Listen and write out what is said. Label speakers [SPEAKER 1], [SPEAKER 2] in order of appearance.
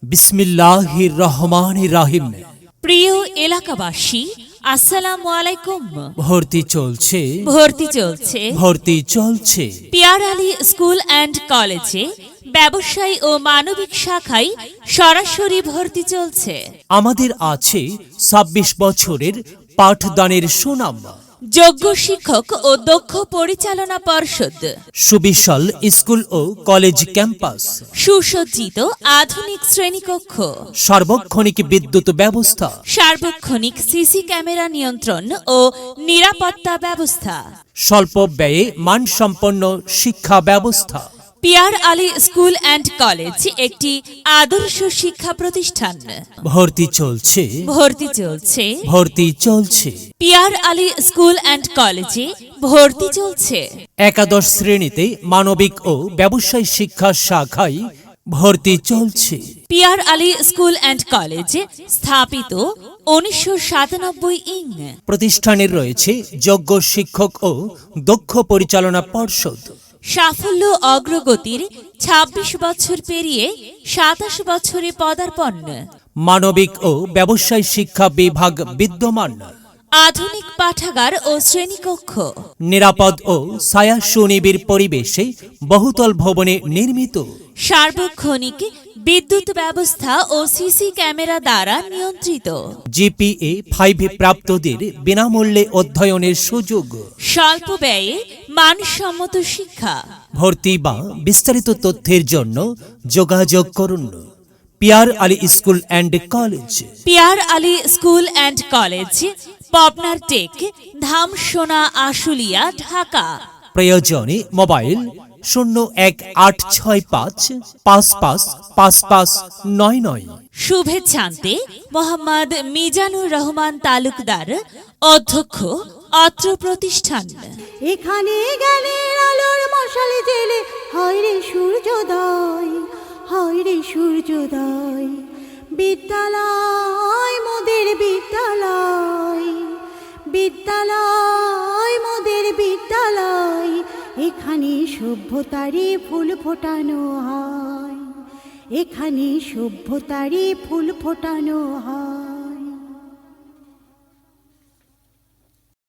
[SPEAKER 1] বিসমিল্লাহির রহমানির রহিম।
[SPEAKER 2] প্রিয় এলাকাবাসী, আসসালামু আলাইকুম।
[SPEAKER 1] ভর্তি চলছে,
[SPEAKER 2] ভর্তি চলছে। পিয়ার আলী স্কুল অ্যান্ড কলেজে ব্যবসায় ও মানবিক শাখায় সরাসরি ভর্তি চলছে।
[SPEAKER 1] আমাদের আছে ২৬ বছরের পাঠদানের সুনাম,
[SPEAKER 2] যোগ্য শিক্ষক ও দক্ষ পরিচালনা পর্ষদ,
[SPEAKER 1] সুবিশাল স্কুল ও কলেজ ক্যাম্পাস,
[SPEAKER 2] সুসজ্জিত আধুনিক শ্রেণীকক্ষ,
[SPEAKER 1] সার্বক্ষণিক বিদ্যুৎ ব্যবস্থা,
[SPEAKER 2] সার্বক্ষণিক সিসি ক্যামেরা নিয়ন্ত্রণ ও নিরাপত্তা ব্যবস্থা,
[SPEAKER 1] স্বল্প ব্যয়ে মানসম্পন্ন শিক্ষা ব্যবস্থা।
[SPEAKER 2] Piyar Ali school and college একটি আদর্শ শিক্ষা প্রতিষ্ঠান।
[SPEAKER 1] ভর্তি চলছে,
[SPEAKER 2] ভর্তি চলছে। পিয়ার আলী স্কুল অ্যান্ড কলেজে ভর্তি চলছে।
[SPEAKER 1] একাদশ শ্রেণীতে মানবিক ও ব্যবসায় শিক্ষা শাখায় ভর্তি চলছে।
[SPEAKER 2] Piyar Ali school and college স্থাপিত 1997
[SPEAKER 1] প্রতিষ্ঠানের রয়েছে যোগ্য শিক্ষক ও দক্ষ পরিচালনা পর্ষদ।
[SPEAKER 2] সাফল্য অগ্রগতির ২৬ বছর পেরিয়ে ২৭ বছরে পদার্পণ।
[SPEAKER 1] মানবিক ও ব্যবসায় শিক্ষা বিভাগ বিদ্যমান।
[SPEAKER 2] আধুনিক পাঠাগার ও শ্রেণীকক্ষ,
[SPEAKER 1] নিরাপদ ও ছায়া সুনিবিড় পরিবেশে বহুতল ভবনে নির্মিত।
[SPEAKER 2] সার্বক্ষণিক বিদ্যুৎ ব্যবস্থা ও সিসি ক্যামেরা দ্বারা নিয়ন্ত্রিত।
[SPEAKER 1] জিপিএ 5 প্রাপ্তদের বিনামূল্যে অধ্যয়নের সুযোগ।
[SPEAKER 2] স্বল্প ব্যয়ে মানসম্মত শিক্ষা।
[SPEAKER 1] ভর্তি বা বিস্তারিত তথ্যের জন্য যোগাযোগ করুন Piyar Ali school and college.
[SPEAKER 2] Piyar Ali school and college, পাবনার টেক, ধামসোনা, আশুলিয়া, ঢাকা।
[SPEAKER 1] প্রয়োজনে মোবাইল 01865555599।
[SPEAKER 2] শুভেচ্ছান্তে মোহাম্মদ মিজানুর রহমান তালুকদার, অধ্যক্ষ, অত্র প্রতিষ্ঠান।
[SPEAKER 3] এখানে গেলে আলোর মশালে জেলে হয় রে সূর্যোদয়, হয় রে সূর্যোদয়। বিদ্যালয় মোদের বিদ্যালয়, বিদ্যালয় মোদের বিদ্যালয়। এখানে সভ্যতারই ফুল ফোটানো হয়, এখানে সভ্যতারই ফুল ফোটানো হয়।